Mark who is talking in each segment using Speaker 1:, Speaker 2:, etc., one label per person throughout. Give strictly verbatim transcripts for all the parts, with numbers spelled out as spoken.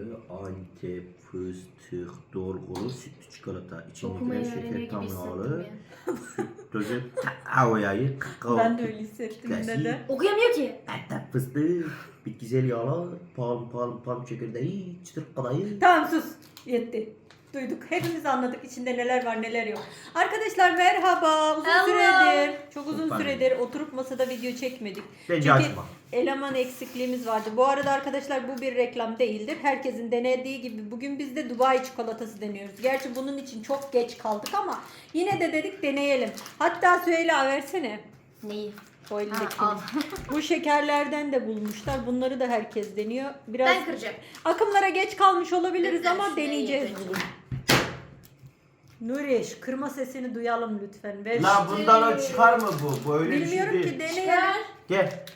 Speaker 1: Antep fıstık dolgulu sütlü çikolata.
Speaker 2: Okumayı
Speaker 1: İçindekiler
Speaker 2: öğreniyor
Speaker 1: şeker
Speaker 2: gibi
Speaker 1: tamamı.
Speaker 2: hissettim
Speaker 1: Süt tozu, kakao yağı, kakao.
Speaker 3: Ben de öyle hissettim
Speaker 1: Klasik.
Speaker 3: neden?
Speaker 2: ya. Okuyamıyor ki.
Speaker 1: Antep fıstığı, bitkisel yağlar, palm palm palm çekirdeği, çıtır kadayıf.
Speaker 3: Tamam sus. Yetti. Duyduk. Hepimiz anladık içinde neler var neler yok. Arkadaşlar merhaba. Uzun
Speaker 2: Hello.
Speaker 3: süredir, çok uzun
Speaker 1: Süper.
Speaker 3: süredir oturup masada video çekmedik.
Speaker 1: Bence
Speaker 3: Çünkü
Speaker 1: açma.
Speaker 3: eleman eksikliğimiz vardı. Bu arada arkadaşlar bu bir reklam değildir. Herkesin denediği gibi bugün biz de Dubai çikolatası deniyoruz. Gerçi bunun için çok geç kaldık ama yine de dedik deneyelim. Hatta Süheyla versene.
Speaker 2: Neyi?
Speaker 3: O elindekini.
Speaker 2: Ha, al.
Speaker 3: Bu şekerlerden de bulmuşlar. Bunları da herkes deniyor. Biraz
Speaker 2: Ben kıracağım.
Speaker 3: akımlara geç kalmış olabiliriz
Speaker 2: Ben
Speaker 3: ama
Speaker 2: şurayı
Speaker 3: deneyeceğiz
Speaker 2: yapacağım.
Speaker 3: bugün. Nuri şu kırma sesini duyalım lütfen. Ver.
Speaker 1: La bundan o çıkar mı bu? Bu öyle bir şey
Speaker 3: Bilmiyorum
Speaker 1: değil.
Speaker 3: ki deneyelim.
Speaker 2: Çıkar.
Speaker 1: Gel.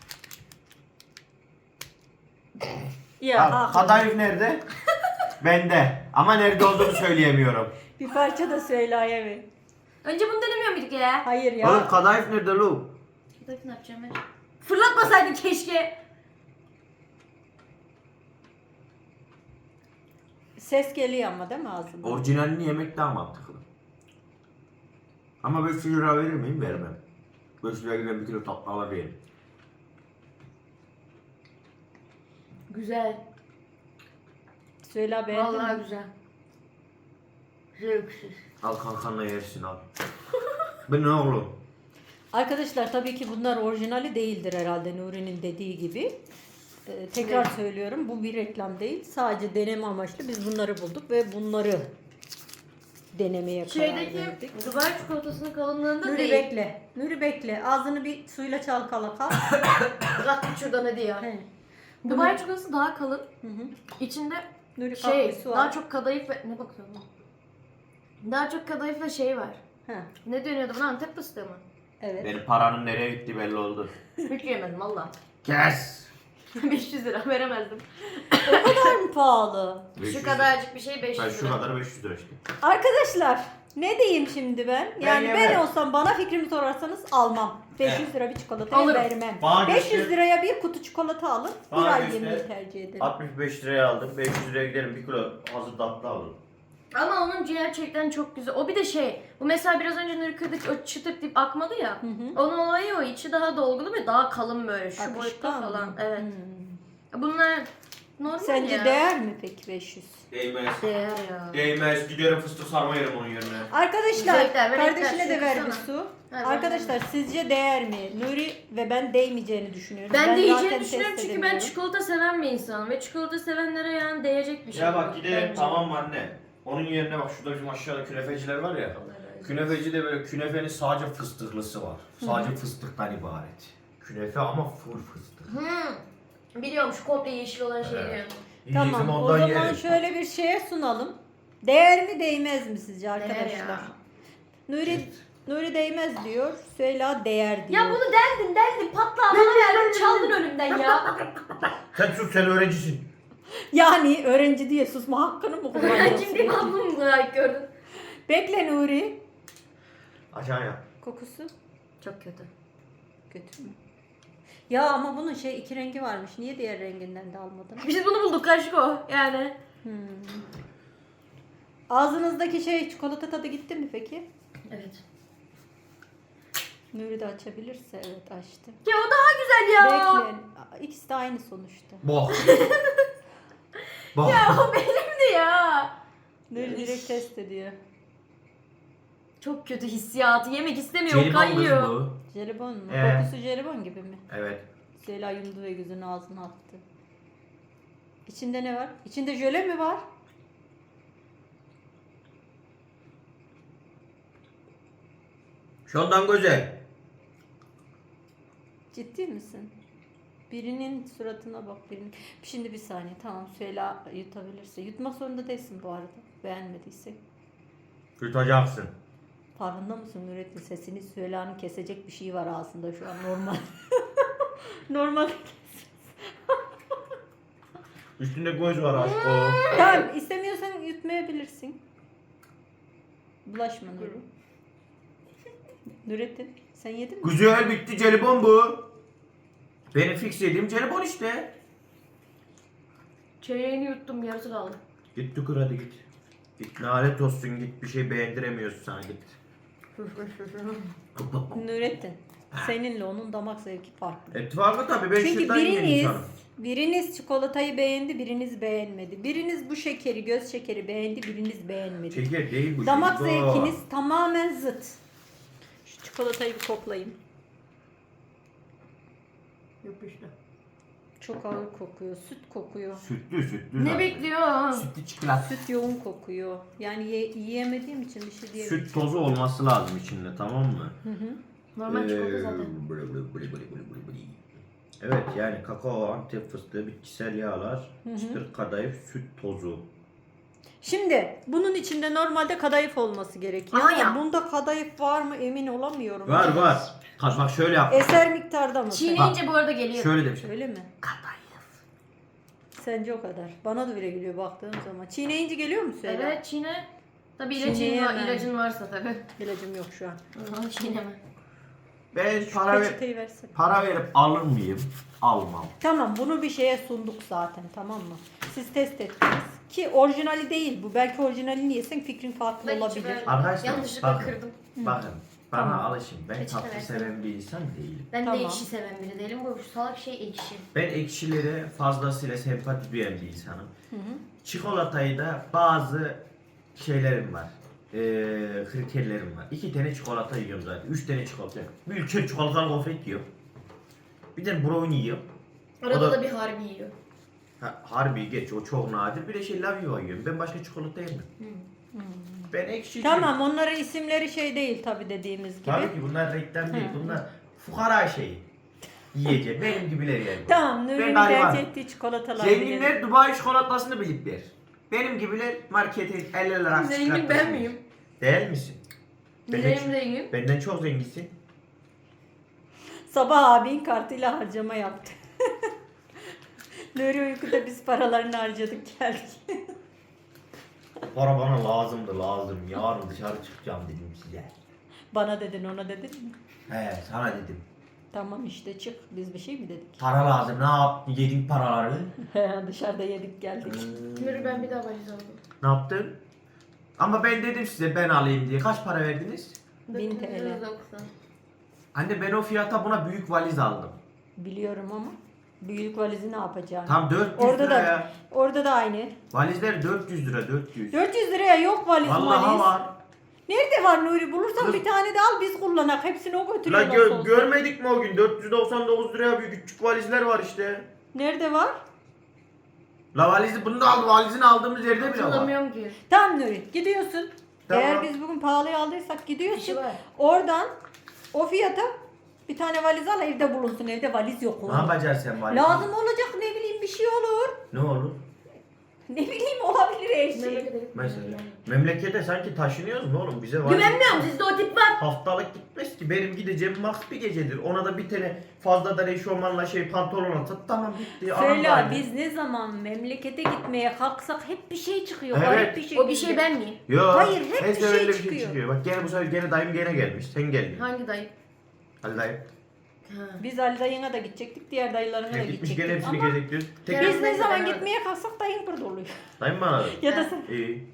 Speaker 3: Ya
Speaker 1: Al,
Speaker 3: ha,
Speaker 1: kadayıf nerede? Bende. Ama nerede olduğunu söyleyemiyorum.
Speaker 3: bir parça da Süheyla'ya ver.
Speaker 2: Önce bunu denemiyor muyduk ya?
Speaker 3: Hayır ya.
Speaker 1: Oğlum kadayıf nerede lu?
Speaker 2: Kadayıf ne yapacağım ben? Fırlatmasaydın keşke.
Speaker 3: Ses geliyor ama değil mi ağzından?
Speaker 1: Orijinalini yemek daha mantıklı. Ama beş yüz lira verir miyim? Vermem. beş yüz lira giden bir kilo tatlı alabilirim.
Speaker 2: Güzel.
Speaker 3: Süheyla beğendin
Speaker 2: Vallahi
Speaker 3: mi?
Speaker 2: güzel. Zevksiz.
Speaker 1: Al kankanla yersin al. Bu ne oğlum?
Speaker 3: Arkadaşlar tabii ki bunlar orijinali değildir herhalde Nuri'nin dediği gibi. Ee, tekrar
Speaker 2: Evet.
Speaker 3: söylüyorum bu bir reklam değil. Sadece deneme amaçlı biz bunları bulduk ve bunları denemeye karar
Speaker 2: Şeydeki
Speaker 3: verdik.
Speaker 2: Dubai çikolatasının kalınlığında
Speaker 3: Nuri
Speaker 2: değil.
Speaker 3: bekle. Nuri bekle. Ağzını bir suyla çalkala kal.
Speaker 2: Bırak şuradan hadi ya.
Speaker 3: He.
Speaker 2: Dubai çikolatası daha kalın.
Speaker 3: Hı hı.
Speaker 2: İçinde
Speaker 3: Nuri kalk
Speaker 2: şey
Speaker 3: bir su
Speaker 2: daha
Speaker 3: al.
Speaker 2: çok kadayıf ve ne bakıyorsun lan? Daha çok kadayıf ve şey var.
Speaker 3: Ha,
Speaker 2: Ne dönüyordu buna, Antep fıstığı mı?
Speaker 3: evet.
Speaker 1: Benim paranın nereye gitti belli oldu.
Speaker 2: Hiç yemedim valla.
Speaker 1: Kes.
Speaker 2: beş yüz lira veremezdim.
Speaker 3: O kadar mı pahalı?
Speaker 2: Şu kadarcık bir şey beş
Speaker 1: Ben
Speaker 2: yüz
Speaker 1: şu
Speaker 2: lira.
Speaker 1: kadar beş yüz lira işte.
Speaker 3: Arkadaşlar ne diyeyim şimdi ben? Yani ben,
Speaker 1: yemem.
Speaker 3: olsam bana fikrimi sorarsanız almam. beş yüz lira bir çikolata
Speaker 2: Alırım.
Speaker 3: vermem.
Speaker 1: Bana
Speaker 3: beş yüz
Speaker 1: göster.
Speaker 3: liraya bir kutu çikolata alın. Bir
Speaker 1: Bana
Speaker 3: ay
Speaker 1: göster.
Speaker 3: yemeği tercih ederim.
Speaker 1: altmış beş liraya aldım. beş yüz liraya giderim bir kilo hazır tatlı alırım.
Speaker 2: Ama onun gerçekten çok güzel. O bir de şey, bu mesela biraz önce Nuri kırdık o çıtırt deyip akmadı ya.
Speaker 3: Hı hı.
Speaker 2: Onun olayı o, içi daha dolgulu ve daha kalın böyle şu
Speaker 3: Akışkan
Speaker 2: boyutta
Speaker 3: mı?
Speaker 2: falan. Evet.
Speaker 3: Hmm.
Speaker 2: Bunlar normal
Speaker 3: Sence
Speaker 2: ya.
Speaker 3: değer mi peki beş yüz?
Speaker 1: Değmez.
Speaker 2: Değer ya.
Speaker 1: Değmez. Giderim fıstık sarma yerim onun yerine.
Speaker 3: Arkadaşlar
Speaker 2: Zevkler, melekler,
Speaker 3: kardeşine de
Speaker 2: şu
Speaker 3: ver bir
Speaker 2: kısana.
Speaker 3: su.
Speaker 2: Ver,
Speaker 3: Arkadaşlar sizce değer mi? Nuri ve ben değmeyeceğini düşünüyorum.
Speaker 2: Ben,
Speaker 3: zaten
Speaker 2: değeceğini
Speaker 3: test
Speaker 2: düşünüyorum çünkü ben
Speaker 3: edemiyorum.
Speaker 2: çikolata seven bir insanım ve çikolata sevenlere yani değecek bir şey.
Speaker 1: Ya bak gidelim
Speaker 2: bence.
Speaker 1: tamam mı anne? Onun yerine bak şurada bizim aşağıda künefeciler var ya.
Speaker 2: Allah razı olsun.
Speaker 1: Künefecide böyle künefenin sadece fıstıklısı var. Sadece fıstıktan ibaret. Künefe ama full fıstık.
Speaker 2: Hmm. Biliyorum şu komple yeşil olan şey
Speaker 1: Evet.
Speaker 2: diyorum.
Speaker 3: Tamam
Speaker 1: Yiyeceğim
Speaker 3: o
Speaker 1: ondan
Speaker 3: zaman
Speaker 1: yerim.
Speaker 3: şöyle bir şeye sunalım. Değer mi değmez mi sizce
Speaker 2: Değer
Speaker 3: arkadaşlar?
Speaker 2: ya.
Speaker 3: Nuri Nuri değmez diyor. Süheyla değer diyor.
Speaker 2: Ya bunu derdin derdin patla bana verdin çaldın önümden ya.
Speaker 1: Sen sus sen öğrencisin.
Speaker 3: Yani öğrenci diye susma hakkını mı
Speaker 2: Ben
Speaker 3: kullanıyorsun?
Speaker 2: şimdi ablamı layık gördüm.
Speaker 3: Bekle Nuri.
Speaker 1: Aşağıya.
Speaker 3: Kokusu
Speaker 2: Çok kötü.
Speaker 3: kötü mü? Ya ama bunun şey iki rengi varmış. Niye diğer renginden de almadın?
Speaker 2: Biz bunu bulduk kaşık o yani.
Speaker 3: Hmm. Ağzınızdaki şey çikolata tadı gitti mi peki?
Speaker 2: Evet.
Speaker 3: Nuri de açabilirse evet açtı.
Speaker 2: Ya o daha güzel ya.
Speaker 3: Bekle. İkisi de aynı sonuçta.
Speaker 1: Bok. Bok.
Speaker 2: Ya o benimdi ya.
Speaker 3: Nuri direkt test ediyor.
Speaker 2: Çok kötü hissiyatı. Yemek istemiyor.
Speaker 1: Jelibon kız
Speaker 2: Kayıyor.
Speaker 1: bu.
Speaker 3: Jelibon mu?
Speaker 1: Ee.
Speaker 3: Kokusu jelibon gibi mi?
Speaker 1: Evet.
Speaker 3: Süheyla yumdu ve gözünü ağzına attı. İçinde ne var? İçinde jöle mi var?
Speaker 1: Şundan güzel.
Speaker 3: Ciddi misin? Birinin suratına bak birinin. Şimdi bir saniye tamam Süheyla yutabilirse. Yutmak zorunda değilsin bu arada. Beğenmediyse.
Speaker 1: Yutacaksın.
Speaker 3: Farkında mısın Nurettin? Sesini Süheyla'nın kesecek bir şey var ağzında şu an normal. Normal.
Speaker 1: Üstünde göz var aşk o.
Speaker 3: Tamam istemiyorsan yutmayabilirsin. Bulaşma Nuri. Nurettin sen yedin mi?
Speaker 1: Güzel bitti jelibon bu. Benim fix yediğim jelibon işte.
Speaker 2: Çeyreğini yuttum, yarısı kaldı.
Speaker 1: Git tükür hadi git. Git lanet olsun git bir şey beğendiremiyorsun sana git.
Speaker 3: Nurettin, seninle onun damak zevki farklı.
Speaker 1: Ettifakı tabii ben
Speaker 3: Çünkü
Speaker 1: şırdan yiyen
Speaker 3: biriniz,
Speaker 1: insanım.
Speaker 3: biriniz çikolatayı beğendi, biriniz beğenmedi. Biriniz bu şekeri, göz şekeri beğendi, biriniz beğenmedi.
Speaker 1: Şeker değil bu.
Speaker 3: Damak
Speaker 1: bu.
Speaker 3: zevkiniz tamamen zıt. Şu çikolatayı bir koklayayım.
Speaker 2: Yapıştı.
Speaker 3: Çok ağır kokuyor, süt kokuyor.
Speaker 1: Sütlü sütlü.
Speaker 2: Ne
Speaker 1: zaten.
Speaker 2: bekliyor?
Speaker 1: Sütlü çikolata.
Speaker 3: Süt yoğun kokuyor. Yani ye- yiyemediğim için bir şey diyemem.
Speaker 1: Süt tozu olması lazım içinde tamam mı?
Speaker 3: Hı hı.
Speaker 2: Normal çikolata
Speaker 1: Ee,
Speaker 2: zaten.
Speaker 1: bılı bılı bılı bılı bılı bılı bılı. Evet yani kakao, antep fıstığı, bitkisel yağlar,
Speaker 3: hı.
Speaker 1: çıtır kadayıf, süt tozu.
Speaker 3: Şimdi bunun içinde normalde kadayıf olması gerekiyor.
Speaker 2: Aa
Speaker 3: Ama
Speaker 2: ya.
Speaker 3: bunda kadayıf var mı emin olamıyorum.
Speaker 1: Var var. Kaç bak şöyle yap.
Speaker 3: Eser miktarda mı?
Speaker 2: Çiğneyince bu arada geliyor.
Speaker 1: Şöyle demiş.
Speaker 3: Öyle mi?
Speaker 1: Kadayıf.
Speaker 3: Sence o kadar. Bana da öyle geliyor baktığım zaman. Çiğneyince geliyor mu Süheyla?
Speaker 2: Evet çiğne. Tabii ilacın, var,
Speaker 3: Çiğneyemem.
Speaker 2: ilacın varsa tabii.
Speaker 3: İlacım yok şu an.
Speaker 2: Aha, çiğneme.
Speaker 1: Ben para, ver,
Speaker 3: Peçeteyi versene.
Speaker 1: para verip alır mıyım? Almam.
Speaker 3: Tamam bunu bir şeye sunduk zaten tamam mı? Siz test ettiniz. Ki orijinali değil bu. Belki orijinalini yesen fikrin farklı
Speaker 2: Ben
Speaker 3: olabilir.
Speaker 2: içi
Speaker 1: Arkadaşlar,
Speaker 2: yanlışlıkla
Speaker 1: bakın.
Speaker 2: kırdım.
Speaker 1: Bakın bana
Speaker 3: Tamam.
Speaker 1: alışın. Ben
Speaker 2: Peçete
Speaker 1: tatlı
Speaker 2: versene.
Speaker 1: seven bir insan değilim.
Speaker 2: Ben
Speaker 3: Tamam.
Speaker 2: de ekşi seven biri değilim. Bu salak şey ekşi.
Speaker 1: Ben ekşilere fazlasıyla sempati duyan bir insanım.
Speaker 3: Hı hı.
Speaker 1: Çikolatayı da bazı şeylerim var. Ee, kriterlerim var. İki tane çikolata yiyorum zaten. Üç tane çikolata yiyorum. Bir ülke çikolatalı gofret yiyorum. Bir de brownie yiyorum.
Speaker 2: Arada
Speaker 1: O da-
Speaker 2: da bir harbi yiyor.
Speaker 1: Ha, harbi geç o çok nadir. Bir de şey Lavio yiyorum. Ben başka çikolata yemem. Ben ekşi
Speaker 3: Tamam onların isimleri şey değil tabi dediğimiz gibi.
Speaker 1: Tabii ki bunlar reklam değil.
Speaker 3: Hı.
Speaker 1: Bunlar fukara şeyi. Yiyecek. Benim gibiler yani.
Speaker 3: Tamam
Speaker 1: Ben
Speaker 3: Nuri'nin
Speaker 1: gariban.
Speaker 3: tercih ettiği çikolatalar.
Speaker 1: Zenginler Dubai çikolatasını bilipler. Benim gibiler markete el ele rast
Speaker 2: Zengin ben
Speaker 1: çikolatasını
Speaker 2: miyim?
Speaker 1: yiyor. Değil misin? Benden,
Speaker 2: Neyim zengin?
Speaker 1: benden çok zenginsin.
Speaker 3: Sabah abin kartıyla harcama yaptı. Nuri uykuda biz paralarını harcadık geldik.
Speaker 1: Para bana lazımdı lazım. Yarın dışarı çıkacağım dedim size.
Speaker 3: Bana dedin ona dedin mi?
Speaker 1: He sana dedim.
Speaker 3: Tamam işte çık biz bir şey mi dedik?
Speaker 1: Para lazım. Ne yaptın? Yedin paraları.
Speaker 3: Dışarıda yedik geldik.
Speaker 2: Nuri ben bir daha valiz aldım.
Speaker 1: Ne yaptın? Ama ben dedim size ben alayım diye. Kaç para verdiniz?
Speaker 3: bin T L.
Speaker 2: dokuz yüz doksan.
Speaker 1: Anne ben o fiyata buna büyük valiz aldım.
Speaker 3: Biliyorum ama büyük valizi ne yapacağını.
Speaker 1: Tam dört yüz
Speaker 3: Orada
Speaker 1: lira
Speaker 3: da
Speaker 1: ya.
Speaker 3: orada da aynı.
Speaker 1: Valizler dört yüz lira dört yüz.
Speaker 3: dört yüz liraya yok valiz
Speaker 1: Vallahi
Speaker 3: valiz.
Speaker 1: var.
Speaker 3: Nerede var Nuri? Bulursan
Speaker 1: Kız-
Speaker 3: bir tane de al biz kullanak. Hepsini o
Speaker 1: La
Speaker 3: götürüyor nasıl
Speaker 1: gö-
Speaker 3: olsa.
Speaker 1: görmedik mi o gün? dört yüz doksan dokuz liraya bir küçük valizler var işte.
Speaker 3: Nerede var?
Speaker 1: La valizi bunu da aldı. Valizini aldığımız yerde bile var.
Speaker 2: Hatırlamıyorum ki.
Speaker 3: Tamam Nuri gidiyorsun.
Speaker 1: Tamam.
Speaker 3: Eğer biz bugün pahalıya aldıysak gidiyorsun.
Speaker 2: İşi var.
Speaker 3: Oradan o fiyata bir tane valiz al evde bulunsun. Evde valiz yok
Speaker 1: Ne
Speaker 3: oğlum.
Speaker 1: yapacaksın sen valizi?
Speaker 3: Lazım olacak ne bileyim bir şey olur.
Speaker 1: Ne olur?
Speaker 3: Ne bileyim olabilir her şey.
Speaker 2: Memlekete
Speaker 1: Mesela. Memlekete sanki taşınıyoruz mu oğlum? Bize valiz
Speaker 2: Güvenmiyorum sizde o tip var.
Speaker 1: haftalık gitmez ki. Benim gideceğim max bir gecedir. Ona da bir tane fazladan eşofmanla şey pantolon atsat tamam bitti. Anam
Speaker 3: Söyle
Speaker 1: da
Speaker 3: biz ne zaman memlekete gitmeye kalksak hep bir şey çıkıyor.
Speaker 1: Evet.
Speaker 3: Garip bir şey.
Speaker 2: O bir şey ben miyim?
Speaker 1: Yo,
Speaker 3: Hayır, hep
Speaker 1: her
Speaker 3: bir şey
Speaker 1: seferinde
Speaker 3: çıkıyor.
Speaker 1: Bak gene bu sefer gene dayım gene gelmiş. Sen geldin.
Speaker 2: Hangi dayı?
Speaker 1: Hadi dayım.
Speaker 2: Ha.
Speaker 3: Biz Ali dayına da gidecektik, diğer dayılarına da
Speaker 1: Hep gitmiş gene
Speaker 3: gidecektik.
Speaker 1: hepsini
Speaker 3: Ama
Speaker 1: gezekliyoruz. Tek
Speaker 2: Kerem-
Speaker 3: biz ne
Speaker 2: Neyse,
Speaker 3: zaman
Speaker 2: ben-
Speaker 3: gitmeye kalksak dayın burada oluyor.
Speaker 1: Dayım bana aradı.
Speaker 3: Ya da
Speaker 2: Ha.
Speaker 3: sen.
Speaker 1: İyi.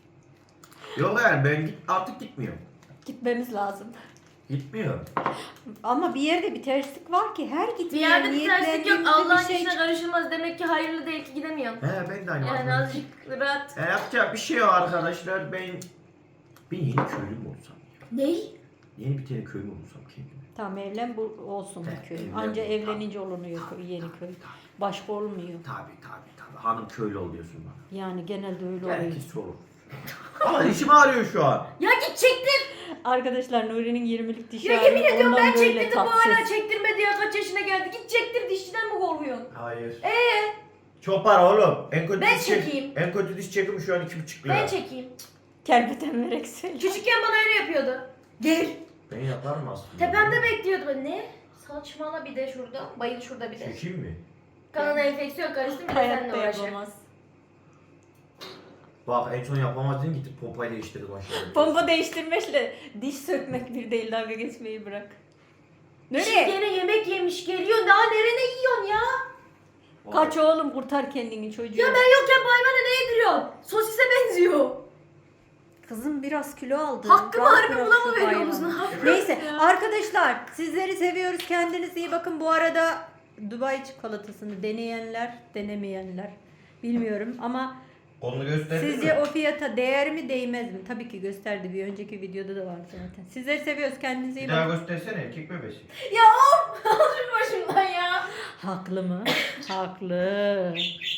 Speaker 1: Yok yani ben git, artık gitmiyorum.
Speaker 3: Gitmemiz lazım.
Speaker 1: Gitmiyorum.
Speaker 3: Ama bir yerde bir terslik var ki her
Speaker 2: Bir
Speaker 3: gitmeye
Speaker 2: yerde bir terslik yok.
Speaker 3: niyetlendiğimizde
Speaker 2: Allah'ın
Speaker 3: bir şey
Speaker 2: işine karışılmaz. Demek ki hayırlı değil ki gidemiyorum.
Speaker 1: He ben de aynı.
Speaker 2: Yani
Speaker 1: aklımda.
Speaker 2: azıcık rahat.
Speaker 1: E, yapacak bir şey yok arkadaşlar. Ben ben yeni köylü mü olsam?
Speaker 2: Ney?
Speaker 1: Yeni bir tane köylü mü olsam kendime?
Speaker 3: Tamam evlen bu olsun
Speaker 1: He,
Speaker 3: bu köy.
Speaker 1: evlen.
Speaker 3: Anca evlenince olunuyor köy, yeni köy. Başka olmuyor.
Speaker 1: Tabi tabi tabi. Hanım köylü oluyorsun bana.
Speaker 3: Yani genelde öyle oluyor.
Speaker 1: Herkes olur. Ama dişim ağrıyor şu an.
Speaker 2: Ya git çektir.
Speaker 3: Arkadaşlar Nuri'nin yirmilik dişi
Speaker 2: Ya
Speaker 3: ağrıyor,
Speaker 2: yemin ediyorum
Speaker 3: ondan
Speaker 2: ben
Speaker 3: böyle
Speaker 2: çektirdim bu
Speaker 3: tatsız.
Speaker 2: hala çektirmedi ya kaç yaşına geldi. Git çektir dişçiden mi korkuyorsun?
Speaker 1: Hayır.
Speaker 2: Eee?
Speaker 1: Çok para oğlum. En kötü
Speaker 2: Ben
Speaker 1: diş çek-
Speaker 2: çekeyim.
Speaker 1: En kötü diş çekimi şu an iki buçuk lira.
Speaker 2: Ben çekeyim.
Speaker 3: Kerbeten vererek söyle.
Speaker 2: Küçükken bana öyle yapıyordu. Gel.
Speaker 1: Ben yaparım aslında.
Speaker 2: Tepemde bekliyordu ben. Ne? Saçmala bir de şurada. Bayıl şurada bir de.
Speaker 1: Çekeyim mi?
Speaker 2: Kanına enfeksiyon karıştı bir de seninle
Speaker 3: Hayatta
Speaker 2: uğraşır.
Speaker 3: yapamaz.
Speaker 1: Bak en son yapamazdın gitip pompayla değiştirdim aşağıya.
Speaker 3: Pompa değiştirmekle diş sökmek bir değil, dalga geçmeyi bırak.
Speaker 2: Şimdi
Speaker 3: Nereye?
Speaker 2: gene yemek yemiş geliyor. Daha nerene yiyorsun ya?
Speaker 3: Kaç oğlum, kurtar kendini çocuğu.
Speaker 2: Ya ben yokken bu hayvana ne yediriyorsun? Sosise benziyor.
Speaker 3: Kızım biraz kilo aldı.
Speaker 2: Hakkımı
Speaker 3: Rahat
Speaker 2: harbi
Speaker 3: bırak
Speaker 2: buna
Speaker 3: şu
Speaker 2: mı veriyorsunuz?
Speaker 3: hayvanı.
Speaker 2: Ne yapıyorsunuz
Speaker 3: Neyse
Speaker 2: ya?
Speaker 3: arkadaşlar, sizleri seviyoruz. Kendinize iyi bakın. Bu arada Dubai çikolatasını deneyenler, denemeyenler bilmiyorum ama
Speaker 1: Kolunu gösterdin
Speaker 3: sizce
Speaker 1: mi?
Speaker 3: o fiyata değer mi değmez mi? Tabii ki gösterdi. Bir önceki videoda da vardı zaten. Sizleri seviyoruz. Kendinize iyi
Speaker 1: Bir daha
Speaker 3: bakın.
Speaker 1: göstersene erkek bebesi.
Speaker 2: Ya of! Al şunu başımdan ya.
Speaker 3: Haklı mı? Haklı.